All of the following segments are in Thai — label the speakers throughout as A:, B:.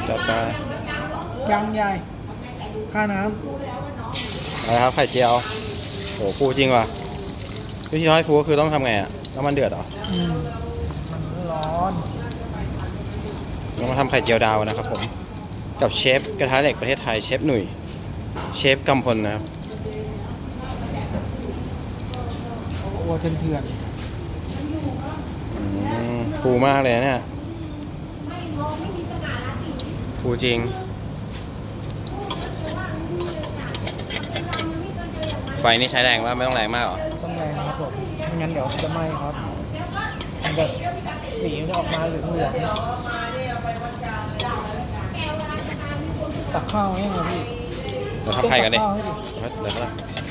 A: จัดไป
B: ยังใหญ่ค่าน้
A: อะไรครับไข่เจียวโหฟูจริงว่ะวิธีทอดให้ฟูก็คือต้องทำไงอ่ะน้ำมันเดือดเหรอ
B: มันร้อน
A: เรามาทำไข่เจียวดาวนะครับผมกับเชฟกระทะเหล็กประเทศไทยเชฟหนุ่ยเชฟกำพลนะครับ
B: โอ้เถื่อน
A: ฟูมากเลยเนี่ยฟูจริงไฟนี่ใช้แรงว่าไม่ต้องแรงมากหรอ
B: ต้องแรงครับผมไม่งั้นเดี๋ยวจะไหม้ครับมันแบบสีมันจะออกมาเหลืองตักข้าวให้ไงพี่
A: เราทำไข่กันดิเดี๋ยว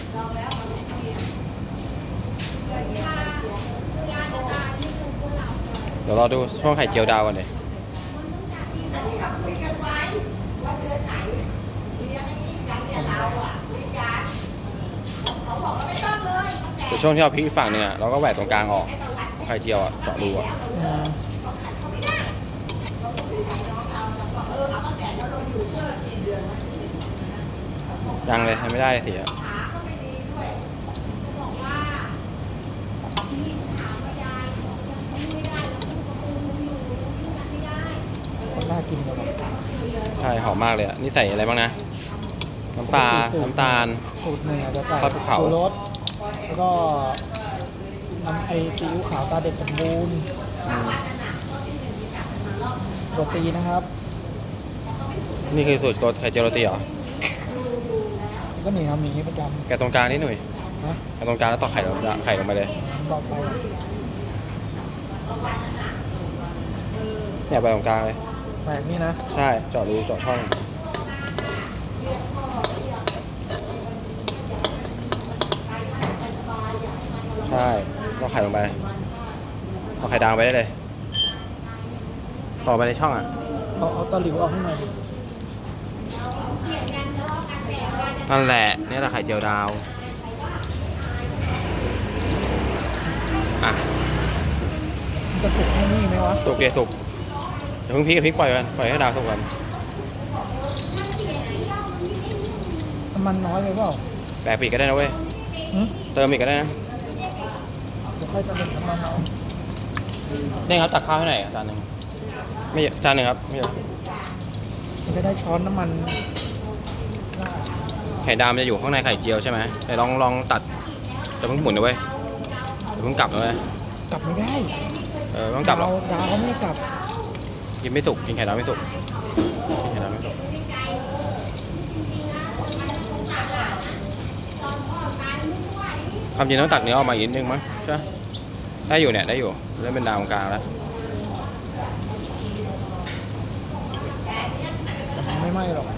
A: รอดูช่วงไข่เจียวดาวกันเลยเดี๋ยวช่วงที่เราพลิกฝั่งเนี่ยเราก็แหวกตรงกลางออกไข่เจียวอ่ะเจาะรูอ่ะยังเลยทำไม่ได้สิครับ
B: น่ากินเลย
A: ใช่หอมมากเลยอ่ะนี่ใส่อะไรบ้างนะน้ำปลาน้ำตาล
B: สูตรเนื้อจะใส่
A: ทอดภูเขา
B: รสแล้วก็น้ำไอซีอิ๊วขาวตาเด็ดสมบูรณ์โรตีนะครับ
A: นี่คือสูตรตัวไข่เจียวโรตีเหรอ
B: ก็หนีทำอย่างนี้ประจำ
A: แกตรงกลางนี่หน่อยแกตรงกลางแล้วต่อไข่ลงไปเลย
B: บอกไป
A: เนี่ยไปตรงกลางเลย
B: แบบนี้นะ
A: ใช่เจาะรูเจาะช่องใช่เราไข่ลงไปเอาไข่ดาวไปได้เลยต่อไปในช่องอ่ะ
B: เอาตะหลิวออกให้หน่อยดิ
A: นั่นแหละนี่แหละไข่เจียวดาวอ่ะ
B: มันจะสุกให้นี่ไหมวะ
A: สุกเดี๋ยวสุกเดี๋ยวเพิ่งพลิกกับพลิกปล่อยให้ดาวสุกก่อน
B: มันน้อยไปเปล่า
A: แปะปีกก็ได้นะเว้ยเติมอีกก็ได้นะ
B: เดี๋ยวค่อยจะเป็นน้ำมันเอา
A: นี่ครับตักข้าวให้หน่อยจานหนึ่งไม่จานหนึ่งครับไม่เยอะ
B: มันจะได้ช้อนน้ำมัน
A: ไข่ดาวมันจะอยู่ข้างในไข่เจียวใช่ไหมแต่ลองตัดจะเพิ่งหมุนนะเว้ยเพิ่งกลับนะเว้ย
B: กลับไม่ได้
A: ต้องกลับหรอ
B: ดาวเขาไม่กลับ
A: กินไม่สุกกินไข่ดาวไม่สุกกินไข่ดาวไม่สุกความจริงต้องตักเนื้อออกมาอีกนิดนึงมั้งใช่ได้อยู่เนี่ยได้อยู่เริ่มเป็นดาวกลางแล้ว
B: ไม่ไหม้หรอก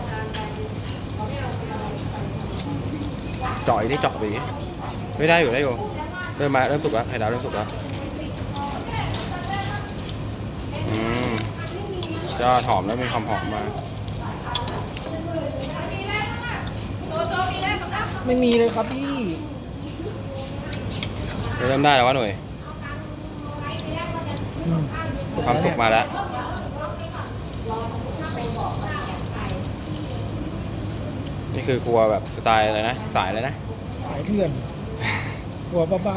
A: จ่อยนี่เจาะไปไม่ได้อยู่เริ่มสุกแล้วไข่ดาวเริ่มสุกแล้วจะหอมแล้วมีความหอมมา
B: ไม่มีเลยครับพี่
A: เริ่มได้แล้ววะหน่วยความสุกมาแล้วนี่คือครัวแบบสไตล์อะไรนะสายอะไรนะ
B: สายเถื่อนครัวบ้า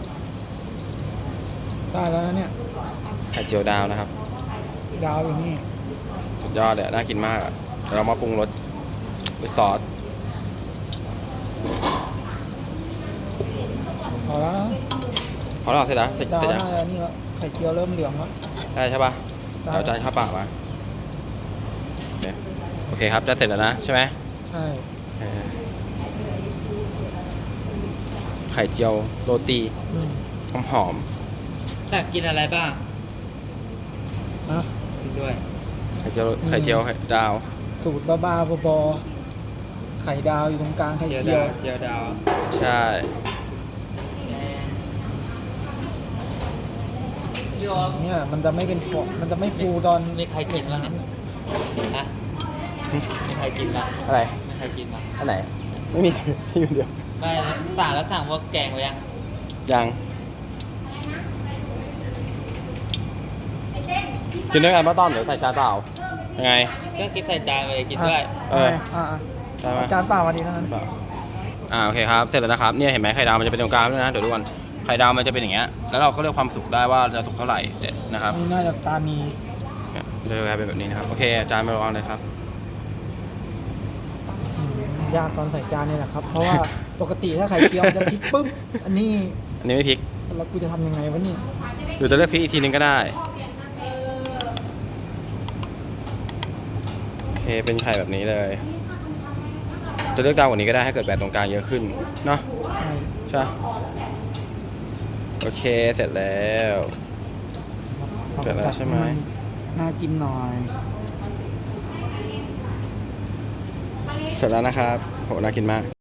B: ๆได้แล้วนะเนี่ย
A: ไข่เจียวดาวนะครับ
B: ดาวอย่างนี้
A: สุดยอดเลยน่ากินมากอ่ะเรามาปรุงรสด้วยซอส
B: พอแล้ว
A: พอแล้วเสร็จแล้วเสร็จ
B: แล้ว
A: นี่
B: แล้วไข่เจียวเริ่มเหลืองแล้ว
A: ได้ใช่ป่ะเดี๋ยวจานข้าวเปล่ามาโอเคครับจะเสร็จแล้วนะใช่ไหม
B: ใช่
A: ไข่เจียวโรตีหอม
C: อยากกินอะไรบ้าง
B: นะ
C: กินด้วย
A: ไข่เจียวไข่ดาว
B: สูตรบ้าๆบอๆไข่ดาวอยู่ตรงกลางไข่เจี
C: ยวดาว
A: ใช่
B: เนี่ยมันจะไม่เป็นฟองมันจะไม่ฟูตอน
C: มีใครกินบ้างเนี่ยฮะมีใครกินบ้าง
A: อะไร
C: มีใครกินบ้าง
A: อันไหนไม่มีอยู่เดียว
C: ไม่สั่งพวกแกงไว้
A: ยังกินด้วยกันป้าต้อมเดี๋ยวใส่จานเปล่ายังไง
C: ก็กินใส่จานไปเลยกินด้วย
A: เออ
B: อ่า
A: ได้ไหม
B: จานเปล่ามาดีเท่านั้น
A: เปล่าโอเคครับ เสร็จแล้วนะครับ เนี่ยเห็นไหมไข่ดาวมันจะเป็นตรงกลางด้วยนะ เดี๋ยวดูกันไข่ดาวมันจะเป็นอย่างเงี้ย แล้วเราก็เลือกความสุกได้ว่าจะสุกเท่าไหร่เสร็จนะครับ
B: นี่น่าจะตานี
A: เนี่ยมันจะกลายเป็นแบบนี้นะครับ โอเคอาจารย์มาลองเลยครับ
B: ยากตอนใส่จานเนี่ยแหละครับ เพราะว่าปกติถ้าไข่เจียวมันจะพลิกปุ๊บ อันนี้
A: อันนี้ไม่พริก
B: แล้วกูจะทำยังไงวะนี่
A: หรือจะเลือกพริกอีกทีนึงก็ได้ โอเค เป็นไข่แบบนี้เลย จะเลือกดาวกว่านี้ก็ได้ถ้าเกิดแบตตรงกลางเยอะขึ้น เนาะ
B: ใช่
A: ใช่ปะโอเค เสร็จแล้ว เสร็จแล้วใช่ไหม
B: น่ากินหน่อย
A: เสร็จแล้วนะครับโหน่ากินมาก